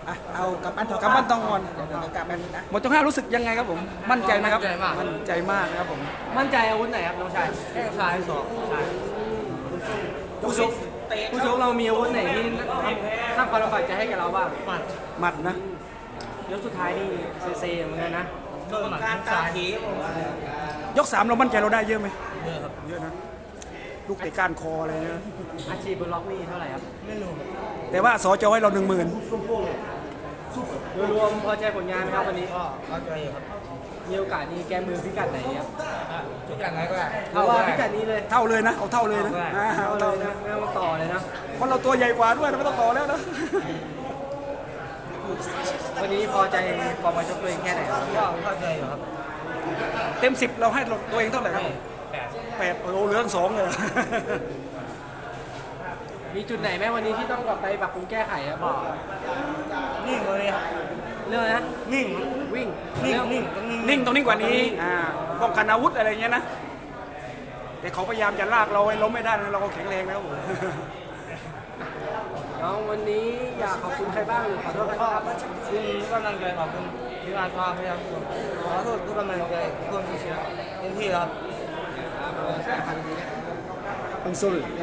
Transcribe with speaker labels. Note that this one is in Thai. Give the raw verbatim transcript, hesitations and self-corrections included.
Speaker 1: อ่ะเอากับปั้นทอง
Speaker 2: กำปั้นทองก่อน
Speaker 1: เดี๋ยวเดี๋ยวกลับแป๊บนึงนะ
Speaker 2: หมดยกห้ารู้สึกยังไงครับผมมั่นใจไหมครับ
Speaker 3: มั่นใจมาก
Speaker 2: มั่นใจมากนะครับผม
Speaker 3: มั่นใจอาวุธไหนครับน้องชายแข้งซ้ายสองซ้าย
Speaker 2: ผู้ชก
Speaker 1: เตะ
Speaker 3: ผู้ชกเรามีอาวุธไหนที่สร้างความลำบากใจให้กับเราบ้างหมัด
Speaker 2: หมัดนะ
Speaker 3: ยกสุดท้ายนี่เซเซเหมือนกันนะ
Speaker 1: โดนการตาขีผม
Speaker 2: ยกสามเรามั่นใจเราได้เยอะไหม
Speaker 3: เยอะครับ
Speaker 2: เยอะนะลูกเตะก้านคออะไรเนี่ย
Speaker 3: อาชีพบนล็อกนี่เท่าไหร่ครับไม่รู้
Speaker 2: แต่ว่าสอจะให้เราหนึ่งหมื่น
Speaker 3: โดยรวมพอใจผลงานไหมครับวันนี้
Speaker 1: ก็เข้าใจอยู่ครับ
Speaker 3: มีโอกาสนี้แก้มือพิกัดไหนครับ
Speaker 1: ทุกอย่างไหนก็ได้
Speaker 3: เพราะว่าพิกัดนี้เลย
Speaker 2: เท่าเลยนะเอาเท่าเลยนะอ่า
Speaker 3: เอา
Speaker 2: เอา
Speaker 3: เล
Speaker 2: เท่าย
Speaker 3: นะ
Speaker 2: นะ
Speaker 3: ไม่ต้องต่อเลยนะ
Speaker 2: เพราะเราตัวใหญ่กว่าด้วยนะไม่ต้องต่อแล้วนะ
Speaker 3: วันนี้พอใจฟอร์มการชกตัวเองแค่ไหนครับ
Speaker 1: ก็เข้าใจอยู่ครับ
Speaker 2: เต็มสิบเราให้ตัวเองเท่าไหร่ครับ
Speaker 1: แปด
Speaker 2: แปดโอ้โหเหลือทั้งสองเลย
Speaker 3: มีจุดไหนไหมวันนี้ที่ต้องกลับไปปรับปรุงแก้ไขครับบอก
Speaker 1: นิ่งเลยครับ
Speaker 3: เรื่องนะ
Speaker 1: นิ่ง
Speaker 3: วิ่ง
Speaker 1: นิ่ง
Speaker 3: เรื่อง
Speaker 1: นิ่งต้องนิ่ง
Speaker 2: นิ่งตรงนี้กว่านี้อ่าป้องกันอาวุธอะไรเงี้ยนะแต่เขาพยายามจะลากเราให้ล้มไม่ได้นะเราก็แข็งแรงนะครับผม
Speaker 3: น้องวันนี้อยากขอบคุณใครบ้างหรือขอโทษใคร
Speaker 1: ก็
Speaker 3: บ้างครับ
Speaker 1: คุณกำลังใจขอบคุณทีมงานความพยายามขอโทษทุกกำลังใจทุกคนที่เชียร์เต็มที่ครับ
Speaker 2: Ang sul.